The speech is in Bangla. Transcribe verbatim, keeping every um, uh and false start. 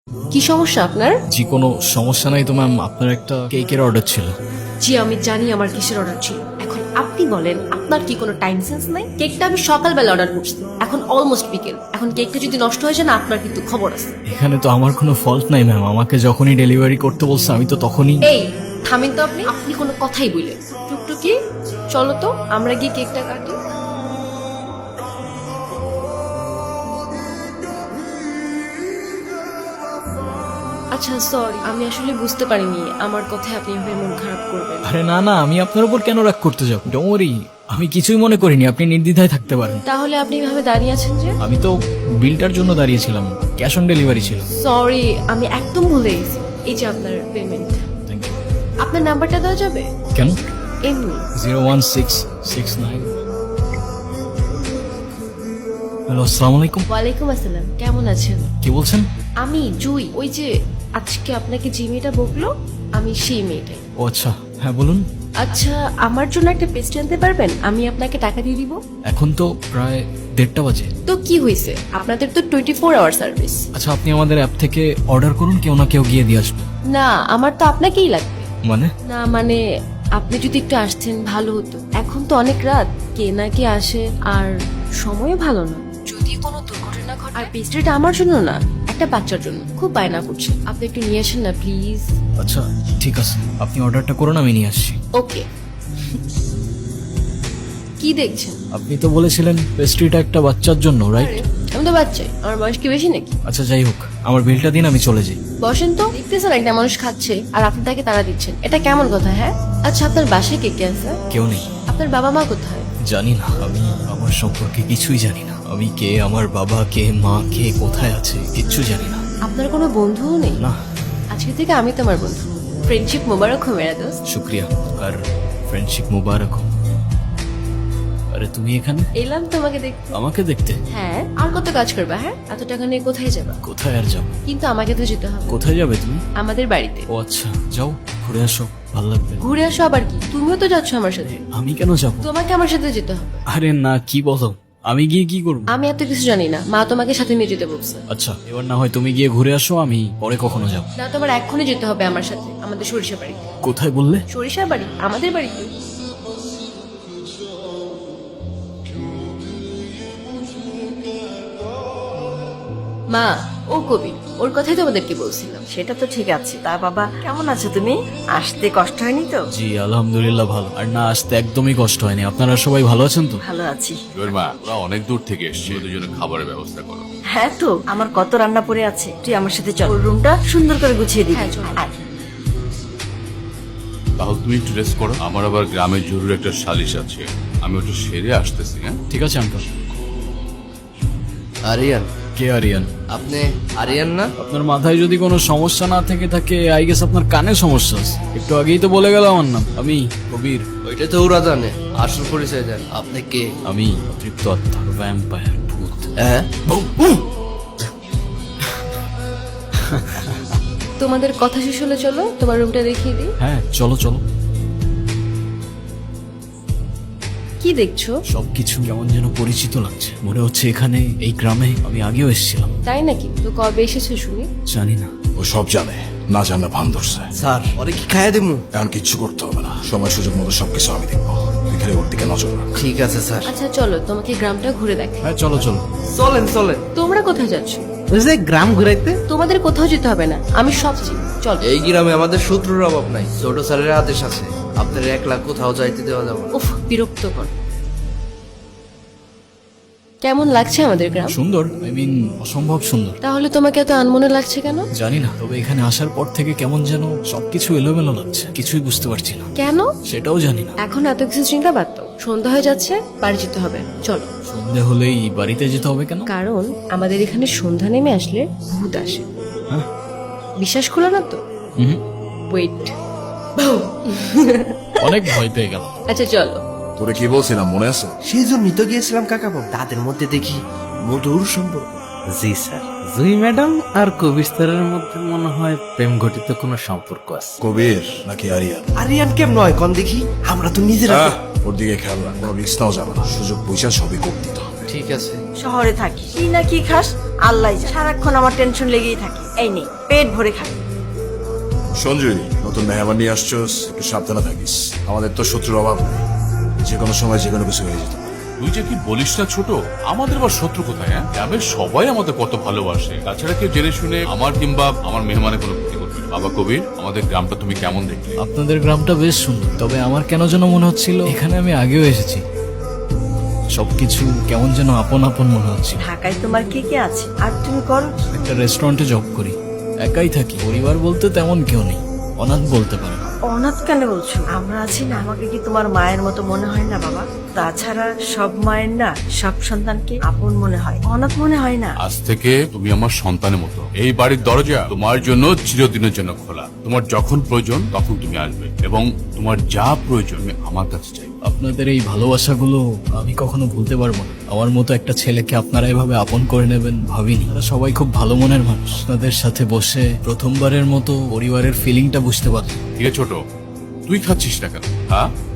কি সমস্যা আপনার? জি কোনো সমস্যা নাই তো ম্যাম, আপনার একটা কেকের অর্ডার ছিল। জি আমি জানি আমার কিসের অর্ডার ছিল। এখন আপনি বলেন আপনার কি কোনো টাইম সেন্স নাই? কেকটা আমি সকালবেলা অর্ডার করছি, এখন অলমোস্ট বিকেল। এখন কেকটা যদি নষ্ট হয়ে যায় না, আপনার কিন্তু খবর আছে। এখানে তো আমার কোনো ফল্ট নাই ম্যাম, আমাকে যখনই ডেলিভারি করতে বলছে আমি তো তখনই। এই থামেন তো আপনি, আপনি কোনো কথাই বললেন। টুকটুকি চলো তো আমরা গিয়ে কেকটা কাটি। আচ্ছা সরি, আমি আসলে বুঝতে পারিনি আমার কথায় আপনি এভাবে মন খারাপ করবেন। আরে না না, আমি আপনার উপর কেন রাগ করতে যাব? ডোন্ট ওয়ারি, আমি কিছুই মনে করিনি, আপনি নির্দ্বিধায় থাকতে পারেন। তাহলে আপনি এভাবে দাঁড়িয়ে আছেন যে? আমি তো বিলটার জন্য দাঁড়িয়েছিলাম, ক্যাশ অন ডেলিভারি ছিল। সরি, আমি একদম ভুলে গেছি। এই যে আপনার পেমেন্ট। Thank you. আপনার নাম্বারটা দেওয়া যাবে? কেন? এমনি। Zero one six six nine. Hello, আসসালামু আলাইকুম। ওয়ালাইকুম আসসালাম, কেমন আছেন? কি বলছেন? আমি জুই, ওই যে আজকে আপনাকে যে মেয়েটা বকলো আমি সেই মেয়েটাই। ও আচ্ছা, হ্যাঁ বলুন। আচ্ছা আমার জন্য একটা পেস্ট্রি আনতে পারবেন? আমি আপনাকে টাকা দিয়ে দিব। এখন তো প্রায় দেড়টা বাজে। তো কি হয়েছে, আপনাদের তো টোয়েন্টি ফোর আওয়ার সার্ভিস। আচ্ছা আপনি আমাদের অ্যাপ থেকে অর্ডার করুন, কেউ না কেউ গিয়ে দিয়ে আসবে। না আমার তো আপনাকেই লাগবে। মানে? না মানে আপনি যদি একটু আসতেন ভালো হতো। এখন তো অনেক রাত, কে না কে আসে, আর সময়ও ভালো না। যদি কোনো দুর্ঘটনা ঘটে। আর পেস্ট্রিটা আমার জন্য না, একটা বাচ্চার জন্য। খুব বায়না করছে, আপনি একটু নিয়ে আসেন না প্লিজ। আচ্ছা ঠিক আছে, আপনি অর্ডারটা করুন, আমি নিয়ে আসছি। ওকে। কি দেখছেন? আপনি তো বলেছিলেন পেস্ট্রিটা একটা বাচ্চার জন্য, রাইট? আমি তো বাচ্চাই, আমার বয়স কি বেশি নাকি? আচ্ছা যাই হোক, আমার বিলটা দিন, আমি চলে যাই। বসেন তো, দেখতেছেন একটা মানুষ খাচ্ছে আর আপনি তাকে তাড়া দিচ্ছেন, এটা কেমন কথা? হ্যাঁ আচ্ছা আপনার বাসায় কে কে আছে? কেউ নেই। আপনার বাবা মা কোথায়? জানি না, আমি আমার সম্পর্কে কিছুই জানি না। আমি কে, আমার বাবা কে, মা কে, কোথায় আছে, কিচ্ছু জানি না। আপনার কোনো বন্ধুও নেই? না। আজকে থেকে আমি তোমার বন্ধু। ফ্রেন্ডশিপ মোবারক হো মেরা দোস্ত। শুক্রিয়া, আর ফ্রেন্ডশিপ মুবারক হোক। আরে তুমি এখানে? এলাম তোমাকে দেখতে। আমাকে দেখতে? হ্যাঁ, আর কত কাজ করবা? হ্যাঁ, এত টাকা নিয়ে কোথায় যাবা? কোথায় আর যাবো? কিন্তু আমাকে তো যেতে হবে। কোথায় যাবে তুমি? আমাদের বাড়িতে। ও আচ্ছা, যাও ঘুরে আসো, ভালো লাগবে। ঘুরে আসো আবার কি? তুমিও তো যাচ্ছ আমার সাথে। আমি কেন যাবো? তোমাকে আমার সাথে যেতে হবে। আরে না, কি বলো, আমি গিয়ে কি করবো? আমি এত কিছু জানি না, মা তোমাকে সাথে নিয়ে যেতে বলছে। আচ্ছা এবার না হয় তুমি গিয়ে ঘুরে আসো, আমি পরে কখনো যাবো। না তোমার এক্ষুনি যেতে হবে আমার সাথে, আমাদের সরিষা বাড়ি। কোথায় বললে? সরিষা বাড়ি, আমাদের বাড়িতে। মা, ও কবি, ওর কথাই তোমাদেরকে বলছিলাম। সেটা তো ঠিক আছে। তা বাবা কেমন আছো তুমি? আসতে কষ্ট হয়নি তো? জি আলহামদুলিল্লাহ ভালো, আর না আসতে একদমই কষ্ট হয়নি। আপনারা সবাই ভালো আছেন তো? ভালো আছি। জোর মা, ওরা অনেক দূর থেকে এসছে, দুজনে খাবারের ব্যবস্থা করো। হ্যাঁ তো, আমার কত রান্না পড়ে আছে। তুই আমার সাথে চল, ওর রুমটা সুন্দর করে গুছিয়ে দিবি। হ্যাঁ, চল। আয়। তাহলে তুমি একটু রেস্ট করো, আমার আবার গ্রামে জরুরি একটা সালিশ আছে, আমি ওটা সেরে আসতেছি। হ্যাঁ ঠিক আছে আঙ্কেল। আরিয়ান, কে আরিয়ান? আপনি আরিয়ান না? আপনার মাথায় যদি কোনো সমস্যা না থেকে থাকে, আই গেস আপনার কানে সমস্যা আছে। একটু আগেই তো বলে গেল আমার নাম, আমি কবির। ওইটা তো ওরা জানে, আসল পরিচয় দেন। আপনি কে? আমি অতৃপ্ত আত্মা, ভ্যাম্পায়ার, ভূত। হ্যাঁ, তোমাদের কথা শেষ হলে চলো তোমার রুমটা দেখিয়ে দিই। হ্যাঁ চলো চলো। কি দেখছো? সবকিছু কেমন যেন পরিচিত লাগছে, মনে হচ্ছে এখানে এই গ্রামে আমি আগেও এসেছিলাম। তাই নাকি? তো কবে এসেছো শুনি? জানি না। ও সব জানে, না জানা ভান ধরছে। স্যার ওরে কি খাইয়া দেবো? এখন কিচ্ছু করতে হবে না, সময় সুযোগ মতো সবকিছু আমি দেখবো। তুই খালি ওর দিকে নজর রাখ। ঠিক আছে স্যার। আচ্ছা চলো তোমাকে গ্রামটা ঘুরে দেখ। হ্যাঁ চলো চলো। চলেন চলেন। তোমরা কোথায় যাচ্ছ? ওই যে গ্রাম ঘুরাইতে। তোমাদের কোথাও যেতে হবে না, আমি সব চিনি। চলো। এই গ্রামে আমাদের শত্রুর অভাব নাই, ছোট স্যারের আদেশ আছে। আপনার এক লাখ কোথাও যাইতে দেওয়া যাবে না। উফ বিরক্তকর। কেমন লাগছে আমাদের গ্রাম? সুন্দর, আই মিন অসম্ভব সুন্দর। তাহলে তোমাকে এত আনমনে লাগছে কেন? জানি না, তবে এখানে আসার পর থেকে কেমন যেন সবকিছু এলোমেলো লাগছে, কিছুই বুঝতে পারছি না। কেন? সেটাও জানি না। এখন এত কিছু চিন্তা বাদ দাও, সন্ধ্যা হয়ে যাচ্ছে, বাড়ি যেতে হবে। চলো। সন্ধে হলেই বাড়িতে যেতে হবে কেন? কারণ আমাদের এখানে সন্ধ্যা নেমে আসলে ভূত আসে। হ্যাঁ? বিশ্বাস করো না তো? হুম, ওয়েট। অনেক ভয় পেয়ে গেল। আচ্ছা চলো। তোরে কি বলছিলাম মনে আছে? সেই জন্যই তো গিয়েছিলাম কাকাবাবু। তাদের মধ্যে দেখি মধুর সম্পর্ক। জি স্যার, জুই ম্যাডাম আর কবির স্যারের মধ্যে মনে হয় প্রেম ঘটিত কোনো সম্পর্ক আছে। কবির নাকি আরিয়ান? আরিয়ান কেম নয় কন দেখি, আমরা তো নিজেরা। আহ, ওর দিকে খেয়াল রাখ, কোনো রিস্ক নাও যাবে না, সুযোগ পয়সা সবই করতে হবে। ঠিক আছে। শহরে থাকি কি না কি খাস আল্লাহ জানে। সারাক্ষণ আমার টেনশন লেগেই থাকে। এই নেই পেট ভরে খাই। সঞ্জয়, নতুন মেহমান নিয়ে আসছোস, একটু সাবধানে থাকিস। আমাদের তো শত্রুর অভাব নেই, যে কোনো সময় যে কোনো কিছু হয়ে যেতে পারে। তুই যে কি বলিস না ছোট, আমাদের আবার শত্রু কোথায়? হ্যাঁ, গ্রামের সবাই আমাদের কত ভালোবাসে। তাছাড়া কেউ জেনে শুনে আমার কিংবা আমার মেহমানের কোনো ক্ষতি করবে না। বাবা কবির, আমাদের গ্রামটা তুমি কেমন দেখলে? আপনাদের গ্রামটা বেশ সুন্দর, তবে আমার কেন যেন মনে হচ্ছিল এখানে আমি আগেও এসেছি। সবকিছু কেমন যেন আপন আপন মনে হচ্ছে। ঢাকায় তোমার কে কে আছে আর তুমি করো কি? একটা রেস্টুরেন্টে জব করি, একাই থাকি। পরিবার বলতে তেমন কেউ নেই, অনাথ বলতে পারেন। অনাথ কেন বলছো? আমরা আছি না, আমাকে কি তোমার মায়ের মতো মনে হয় না বাবা? তাছাড়া সব মায়ের না সব সন্তানকে আপন মনে হয়, অনাথ মনে হয় না। আজ থেকে তুমি আমার সন্তানের মতো। এই বাড়ির দরজা তোমার জন্য চিরদিনের জন্য খোলা। তোমার যখন প্রয়োজন তখন তুমি আসবে, এবং তোমার যা প্রয়োজন তুমি আমার কাছে চাই। আপনাদের এই ভালোবাসাগুলো আমি কখনো ভুলতে পারবো না। আমার মতো একটা ছেলেকে আপনারা এভাবে আপন করে নেবেন ভাবিনি। তারা সবাই খুব ভালো মনের মানুষ। আপনাদের সাথে বসে প্রথমবারের মতো পরিবারের ফিলিংটা বুঝতে পারলাম। ঠিক আছে ছোট, তুই খাচ্ছিস না কেন? হ্যাঁ,